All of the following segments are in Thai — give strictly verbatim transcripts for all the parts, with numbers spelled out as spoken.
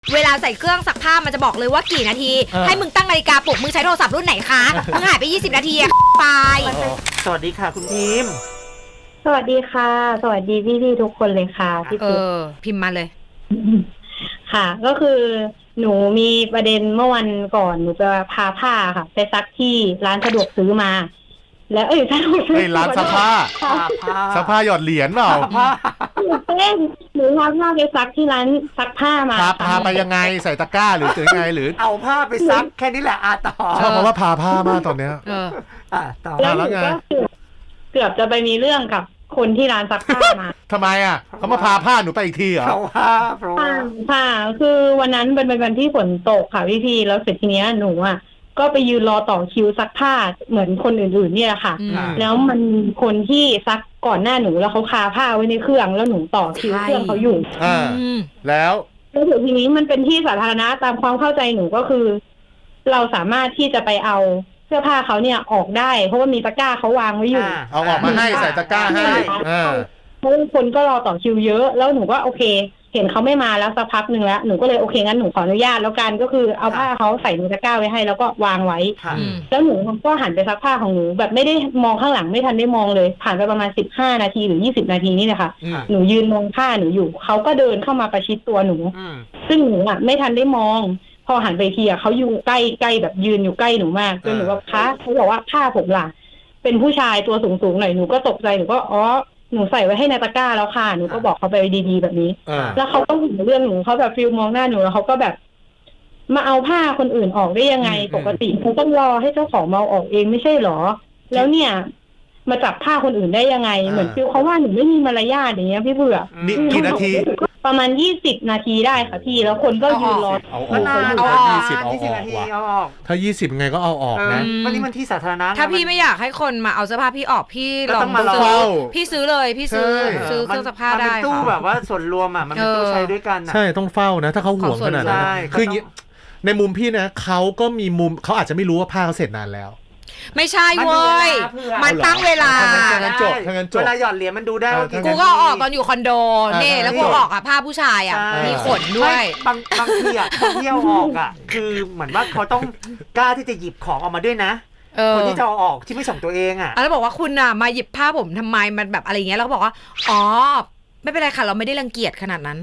เวลาใส่เครื่องซักผ้ามันจะบอกเลยว่ากี่นาทีให้มึงตั้งนาฬิกาปลุกมึงใช้โทรศัพท์รุ่นไหนคะมึงหายไปยี่สิบนาทีอะไปสวัสดีค่ะคุณพิมพ์สวัสดีค่ะสวัสดีพี่ๆทุกคนเลยค่ะพี่เออพิมพ์มาเลยค่ะก็คือหนูมีประเด็นเมื่อวันก่อนหนูจะพาผ้าค่ะไปซักที่ร้านสะดวกซื้อมาแล้วเอ้ยสะดวกซื้อร้านซักผ้าซักผ้าหยอดเหรียญเปล่าเล่นหนูพาผ้าไปซักที่ร้านซักผ้ามาพาพาไปยังไงใส่ตะกร้าหรือถึงไงหรือเอาผ้าไปซักแค่นี้แหละอาต่อชอบเพราะว่าพาผ้ามากตอนเนี้ยเอออ่าต่อแล้วหนูก็เกือบจะไปมีเรื่องกับคนที่ร้านซักผ้ามาทำไมอ่ะเขามาพาผ้าหนูไปอีกทีเหรอเพราะว่าเพราะว่าค่ะคือวันนั้นเป็นวันที่ฝนตกค่ะพี่ๆแล้วเสร็จทีเนี้ยหนูอ่ะก็ไปยืนรอต่อคิวซักผ้าเหมือนคนอื่นๆเนี่ยค่ะแล้วมันคนที่ซักก่อนหน้าหนูแล้วเขาคาผ้าไว้ในเครื่องแล้วหนูต่อคิวเครื่องเขาอยู่อ่าแล้วแล้วถึงทีนี้มันเป็นที่สาธารณะตามความเข้าใจหนูก็คือเราสามารถที่จะไปเอาเสื้อผ้าเขาเนี่ยออกได้เพราะว่ามีตะกร้าเขาวางไว้อยู่เอาออกมาให้ใส่ตะกร้าให้เพราะคนก็รอต่อคิวเยอะแล้วหนูก็โอเคเห็นเขาไม่มาแล้วสักพักหนึ่งแล้วหนูก็เลยโอเคงั้นหนูขออนุญาตแล้วกันก็คือเอาผ้าเขาใส่ในตะกร้าไว้ให้แล้วก็วางไว้แล้วหนูก็หันไปซักผ้าของหนูแบบไม่ได้มองข้างหลังไม่ทันได้มองเลยผ่านไปประมาณสิบห้านาทีหรือยี่สิบนาทีนี่แหละค่ะหนูยืนมองผ้าหนูอยู่เขาก็เดินเข้ามาประชิดตัวหนูซึ่งหนูอ่ะไม่ทันได้มองพอหันไปทีอ่ะเขาอยู่ใกล้ใกล้แบบยืนอยู่ใกล้หนูมากจนหนูว่าคะเขาบอกว่าผ้าผมล่ะเป็นผู้ชายตัวสูงๆหน่อยหนูก็ตกใจหนูก็อ๋อหนูใส่ไว้ให้ในตะกร้าแล้วค่ะหนูก็บอกเขาไปดีๆแบบนี้แล้วเขาก็เห็นเรื่องหนูเขาแบบฟิลมองหน้าหนูแล้วเขาก็แบบมาเอาผ้าคนอื่นออกได้ยังไงปกติเขาต้องรอให้เจ้าของมาเอาออกเองไม่ใช่หรอแล้วเนี่ยมาจับผ้าคนอื่นได้ยังไงเหมือนฟิลเขาว่าหนูไม่มีมารยาทอย่างเงี้ยพี่เผือกนี่กี่นาทีประมาณยี่สิบนาทีได้ค่ะพี่แล้วคนก็ยืนรอเอาออกเอาออกยี่สิบเอาออกถ้ายี่สิบไงก็เอาออกนะวันนี้มันที่สาธารณะถ้าพี่ไม่อยากให้คนมาเอาเสื้อผ้าพี่ออกพี่ลองซื้อพี่ซื้อเลยพี่ซื้อซื้อเครื่องซักผ้าได้ค่ะมันเป็นตู้แบบว่าส่วนรวมอ่ะมันเป็นตู้ใช้ด้วยกันใช่ต้องเฝ้านะถ้าเขาห่วงขนาดนั้นคือในมุมพี่นะเขาก็มีมุมเขาอาจจะไม่รู้ว่าผ้าเขาเสร็จนานแล้วไม่ใช่เว้ยมันตั้งเวลาทางนั้นจบทางนั้นจบเวลาหยอดเหรียญมันดูได้กูก็ออกตอนอยู่คอนโดนี่แล้วกูออกอ่ะผ้าผู้ชายอ่ะมีขนด้วยบางบางทีอ่ะเที่ยวออกอ่ะคือเหมือนว่าเขาต้องกล้าที่จะหยิบของออกมาด้วยนะคนที่จะเอาออกที่ไม่ส่งตัวเองอ่ะแล้วบอกว่าคุณอ่ะมาหยิบผ้าผมทำไมมันแบบอะไรเงี้ยแล้วก็บอกว่าอ๋อไม่เป็นไรค่ะเราไม่ได้รังเกียจขนาดนั้น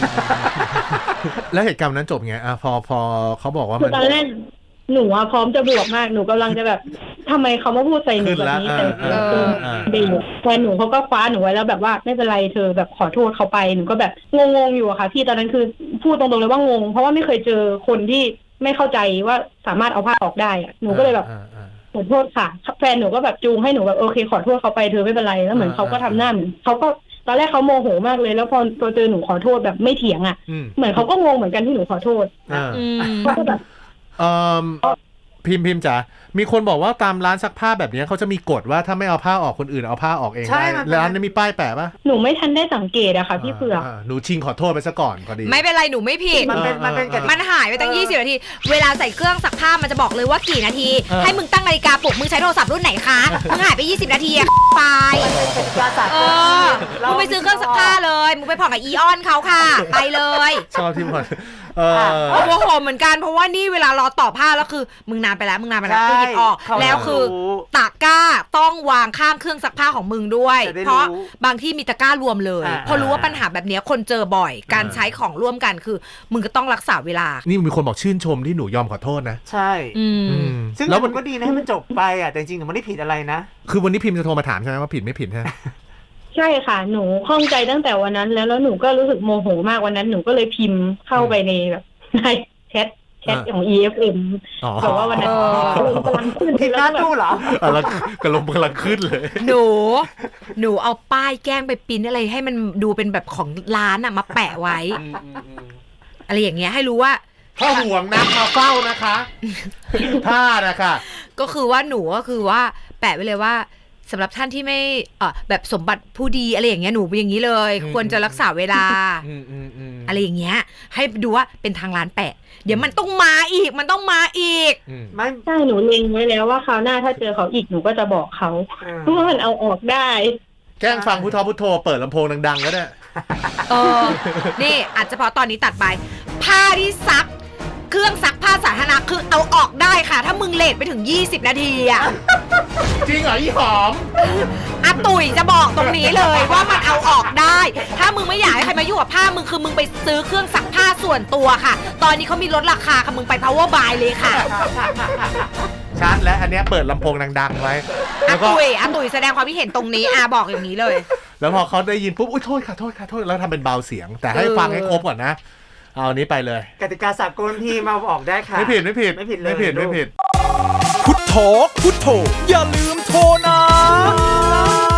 แล้วเหตุการณ์นั้นจบไงอ่ะพอพอเขาบอกว่ามันตอนแรกหนูอะพร้อมจะบวกมากหนูกำลังจะแบบทำไมเขามาพูดใส่หนูแบบนี้แต่เออดีแฟนหนูเขาก็คว้าหนูไว้แล้วแบบว่าไม่เป็นไรเธอแบบขอโทษเขาไปหนูก็แบบงงๆอยู่อะค่ะพี่ตอนนั้นคือพูดตรงๆเลยว่างงเพราะว่าไม่เคยเจอคนที่ไม่เข้าใจว่าสามารถเอาผ้าออกได้อะหนูก็เลยแบบขอโทษค่ะแฟนหนูก็แบบจูงให้หนูแบบโอเคขอโทษเขาไปเธอไม่เป็นไรแล้วเหมือนเขาก็ทำหน้าเหมือนเขาก็ตอนแรกเขาโมโหมากเลยแล้วพอตัวเจอหนูขอโทษแบบไม่เถียงอ่ะเหมือนเขาก็งงเหมือนกันที่หนูขอโทษเขาก็แบบเอ่อพิมพ์พิมพ์จ๋ามีคนบอกว่าตามร้านซักผ้าแบบนี้เขาจะมีกฎว่าถ้าไม่เอาผ้าออกคนอื่นเอาผ้าออกเองได้ร้านนี้มีป้ายแปะปะหนูไม่ทันได้สังเกตอะค่ะพี่เผือกหนูชิงขอโทษไปซะก่อนพอดีไม่เป็นไรหนูไม่ผิดมันเป็นมันเป็นมันหายไปตั้งยี่สิบนาทีเวลาใส่เครื่องซักผ้ามันจะบอกเลยว่ากี่นาทีให้มึงตั้งนาฬิกาปลุกมึงใช้โทรศัพท์รุ่นไหนคะมึงหายไปยี่สิบนาทีอะไปเออมึงไปซื้อเครื่องซักผ้าเลยมึงไปผ่อนกับอีออนเขาค่ะไปเลยชอบที่ผ่อนเออโมโหเหมือนกันเพราะว่านี่เวลารอต่อผ้าแล้วคือมึงนานไปแล้วมึงนานไปแล้วกูหยิบออกแล้วคือตะกร้าต้องวางข้างเครื่องซักผ้าของมึงด้วยเพราะบางที่มีตะกร้ารวมเลยพอรู้ว่าปัญหาแบบนี้คนเจอบ่อยการใช้ของร่วมกันคือมึงก็ต้องรักษาเวลานี่มีคนบอกชื่นชมที่หนูยอมขอโทษนะใช่ซึ่งแล้วมันก็ดีนะให้มันจบไปอ่ะแต่จริงๆหนูไม่ได้ผิดอะไรนะคือวันนี้พิมพ์จะโทรมาถามใช่ไหมว่าผิดไม่ผิดใช่ใช่ค่ะหนูข้องใจตั้งแต่วันนั้นแล้วแล้วหนูก็รู้สึกโมโหมากวันนั้นหนูก็เลยพิมพ์เข้าไปในแบบในแชทแชทของ อี เอฟ เอ็ม บอกว่าวันนั้นกำลังขึ้นที่ร้านตู้เหรอแล้วกำลังกำลังขึ้นเลยหนูหนูเอาป้ายแกล้งไปปิ้นอะไรให้มันดูเป็นแบบของร้านอ่ะมาแปะไว้อะไรอย่างเงี้ยให้รู้ว่าถ้าห่วงนะมาเฝ้านะคะผ้านะคะก็คือว่าหนูก็คือว่าแปะไว้เลยว่าสำหรับท่านที่ไม่เอ่อแบบสมบัติผู้ดีอะไรอย่างเงี้ยหนูเป็นอย่างนี้เลยควรจะรักษาเวลาอะไรอย่างเงี้ยให้ดูว่าเป็นทางร้านแปะเดี๋ยวมันต้องมาอีกมันต้องมาอีกไม่ใช่หนูเล็งไว้แล้วว่าคราวหน้าถ้าเจอเขาอีกหนูก็จะบอกเขาเพราะว่ามันเอาออกได้แกล้งฟังพุทโธพุทโธเปิดลำโพงดังๆก็ได้เออนี่อาจจะเพราะตอนนี้ตัดไปผ้าที่ซักเครื่องซักผ้าสาธารณะคือเอาออกได้ค่ะ ถ้ามึงเลทไปถึงยี่สิบนาทีอะจริงเหรออีหอมอาตุ๋ยจะบอกตรงนี้เลยว่ามันเอาออกได้ ถ้ามึงไม่อยากให้ใครมายุ่งกับผ้ามึงคือมึงไปซื้อเครื่องซักผ้าส่วนตัวค่ะ ตอนนี้เขามีลดราคาค่ะมึงไป power buy เลยค่ะชัดและอันเนี้ยเปิดลำโพงดังๆไว้อาแล้วก็ตุ๋ยอาตุ๋ยแสดงความคิดเห็นตรงนี้อาบอกอย่างนี้เลยแล้วพอเขาได้ยินปุ๊บอุ้ยโทษค่ะโทษค่ะโทษแล้วทำเป็นเบาเสียง แต่ให้เออฟังให้ครบก่อนนะเอาอันนี้ไปเลยกติกาสากลพี่มาออกได้ค่ะไม่ผิดไม่ผิดไม่ผิดเลยไม่ผิดลูกไม่ผิดพุทโธพุทโธอย่าลืมโทรนะ